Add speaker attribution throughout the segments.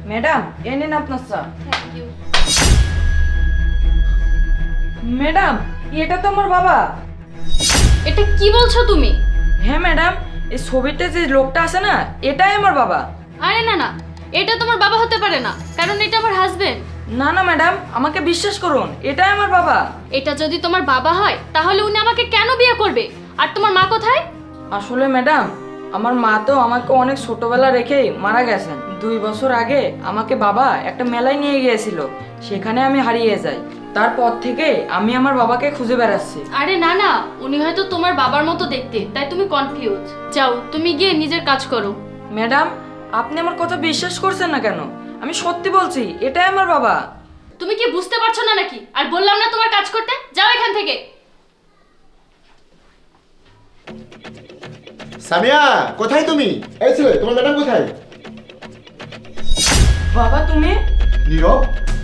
Speaker 1: Madam এ নিন আপনার চা।
Speaker 2: Thank you.
Speaker 1: ম্যাডাম এটা তো আমার বাবা।
Speaker 2: এটা কি বলছো তুমি?
Speaker 1: হ্যাঁ ম্যাডাম, এই ছবিতে যে লোকটা আছে না, এটাই আমার বাবা।
Speaker 2: আরে না না, এটা তোমার বাবা হতে পারে না, কারণ এটা আমার হাজবেন্ড।
Speaker 1: না না ম্যাডাম, আমাকে বিশ্বাস করুন, এটাই আমার বাবা।
Speaker 2: এটা যদি তোমার বাবা হয় তাহলে উনি আমাকে কেন বিয়ে করবে? আর তোমার মা কোথায়?
Speaker 1: আসলে ম্যাডাম, আমার মা তো আমাকে অনেক ছোটবেলা রেখেই মারা গেছেন। 2 বছর আগে আমাকে বাবা একটা মেলায় নিয়ে গিয়েছিল, সেখানে আমি হারিয়ে যাই। তারপর থেকে আমি আমার বাবাকে খুঁজে বেড়াচ্ছি।
Speaker 2: আরে না না, উনি হয়তো তোমার বাবার মতো দেখতে, তাই তুমি কনফিউজ। যাও তুমি গিয়ে নিজের কাজ করো।
Speaker 1: ম্যাডাম, আপনি আমার কথা বিশ্বাস করছেন না কেন? আমি সত্যি বলছি, এটাই আমার বাবা।
Speaker 2: তুমি কি বুঝতে পারছো না নাকি? আর বললাম না তোমার কাজ করতে, যাও এখান থেকে।
Speaker 3: সামিয়া, কোথায় তুমি? এই ছেলে, তোমার ম্যাডাম কোথায়?
Speaker 1: বাবা তুমি?
Speaker 3: নীরব,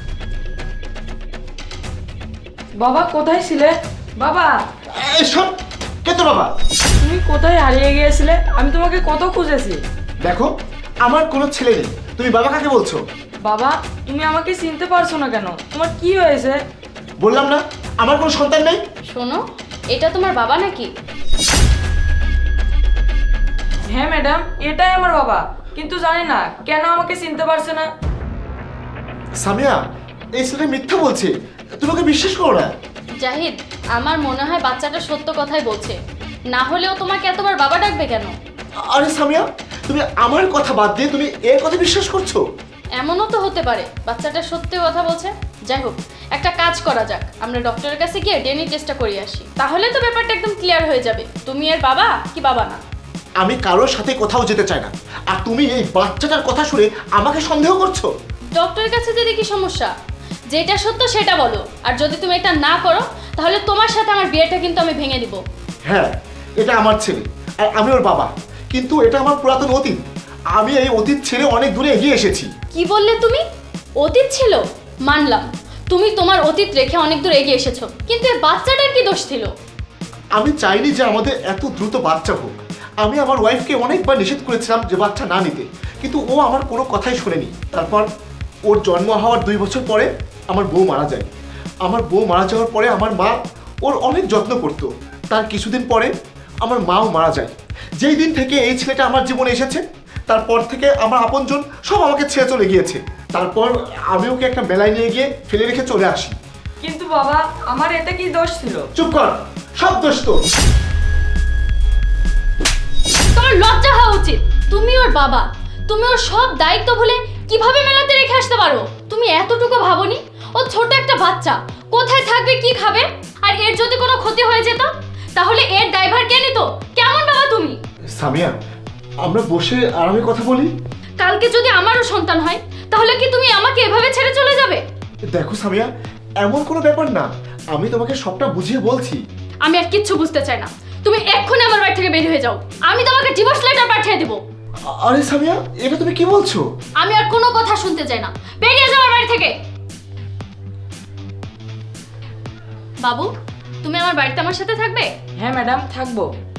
Speaker 1: বাবা কোথায় ছিলে? বাবা
Speaker 3: এই সব কে তোর বাবা?
Speaker 1: তুমি কোথায় হারিয়ে গিয়েছিলে? আমি তোমাকে কত খুঁজেছি।
Speaker 3: দেখো, আমার কোনো ছেলে নেই, তুমি বাবা কাকে বলছো?
Speaker 1: বাবা তুমি আমাকে চিনতে পারছো না কেন? তোমার কি হয়েছে?
Speaker 3: বললাম না আমার কোনো সন্তান নেই।
Speaker 2: শোনো, এটা তোমার বাবা নাকি?
Speaker 1: হ্যাঁ ম্যাডাম, এটাই আমার বাবা, কিন্তু জানি না কেন আমাকে চিনতে পারছে না।
Speaker 3: সামিয়া, এই ছেলে মিথ্যা বলছে, তুমি ওকে বিশ্বাস করো না।
Speaker 2: জাহিদ, আমার মনে হয় বাচ্চাটা সত্য কথাই বলছে, না হলেও তোমাকে এতবার বাবা ডাকবে কেন?
Speaker 3: আরে সামিয়া, তুমি আমার কথা বাদ দিয়ে তুমি এর কথা বিশ্বাস করছো?
Speaker 2: এমনও তো হতে পারে বাচ্চাটা সত্যি কথা বলছে। যাই হোক, একটা কাজ করা যাক, আমরা ডক্টরের কাছে গিয়ে ডিএনএ টেস্টটা করিয়ে আসি, তাহলে তো ব্যাপারটা একদম ক্লিয়ার হয়ে যাবে তুমি এর বাবা কি বাবা না।
Speaker 3: আমি কারোর সাথে কোথাও যেতে চাই না, আর তুমি এই বাচ্চাটার কথা শুনে আমাকে সন্দেহ করছো।
Speaker 2: ডক্টরের কাছে যেতে কি সমস্যা? যেটা সত্য সেটা বলো, আর যদি তুমি এটা না করো তাহলে তোমার সাথে আমার বিয়েটা কিন্তু আমি ভেঙে দিব।
Speaker 3: হ্যাঁ, এটা আমার ছেলে আর আমি ওর বাবা, কিন্তু এটা আমার পুরাতন অতীত। আমি এই অতীত ছেড়ে অনেক দূরে এগিয়ে এসেছি।
Speaker 2: কি বললে তুমি? অতীত ছিল? মানলাম, তুমি তোমার অতীত রেখে অনেক দূর এগিয়ে এসেছো, কিন্তু এই বাচ্চাটার কি দোষ ছিল?
Speaker 3: আমি চাইনি যে আমাদের এত দ্রুত বাচ্চা হোক। আমি আমার ওয়াইফকে অনেকবার নিষেধ করেছিলাম যে বাচ্চা না নিতে, কিন্তু ও আমার কোনো কথাই শোনেনি। তারপর ওর জন্ম হওয়ার 2 বছর পরে আমার বউ মারা যায়। আমার বউ মারা যাওয়ার পরে আমার মা ওর অনেক যত্ন করতো। তার কিছুদিন পরে আমার মাও মারা যায়। যেই দিন থেকে এই ছেলেটা আমার জীবনে এসেছে, তারপর থেকে আমার আপনজন সব আমাকে ছেড়ে চলে গিয়েছে। তারপর আমি ওকে একটা মেলায় নিয়ে গিয়ে ফেলে রেখে চলে আসি।
Speaker 1: কিন্তু বাবা, আমার এতে কি দোষ ছিল?
Speaker 3: চুপ কর, সব দোষ তোর।
Speaker 2: তোমার লজ্জা হওয়া উচিত। তুমি ওর বাবা, তুমি ওর সব দায়িত্ব ভুলে কিভাবে মেলাতে রেখে আসতে পারো? তুমি এতটুকু ভাবোনি ও ছোট একটা বাচ্চা, কোথায় থাকবে কি খাবে? আর এর যদি কোনো ক্ষতি হয়ে যেত তাহলে এর ড্রাইভার কে নিত? কেমন বাবা তুমি?
Speaker 3: সামিয়া, আমরা বসে আরামে কথা বলি।
Speaker 2: কালকে যদি আমারও সন্তান হয় তাহলে কি তুমি আমাকে এভাবে ছেড়ে চলে যাবে?
Speaker 3: দেখো সামিয়া, এমন কোনো ব্যাপার না, আমি তোমাকে সবটা বুঝিয়ে বলছি।
Speaker 2: আমি আর কিচ্ছু বুঝতে চাই না, তুমি এক্ষুনি আমার বাড়ি থেকে বের হয়ে যাও, আমি তোমাকে ডিভোর্স লেটার পাঠিয়ে দেবো।
Speaker 3: আরে সামিয়া, এটা তুমি কি বলছো?
Speaker 2: আমি আর কোনো কথা শুনতে চাই না, বেরিয়ে যাও আমার বাড়ি থেকে। বাবু, তুমি আমার বাড়িতে আমার সাথে থাকবে?
Speaker 1: হ্যাঁ ম্যাডাম, থাকবো।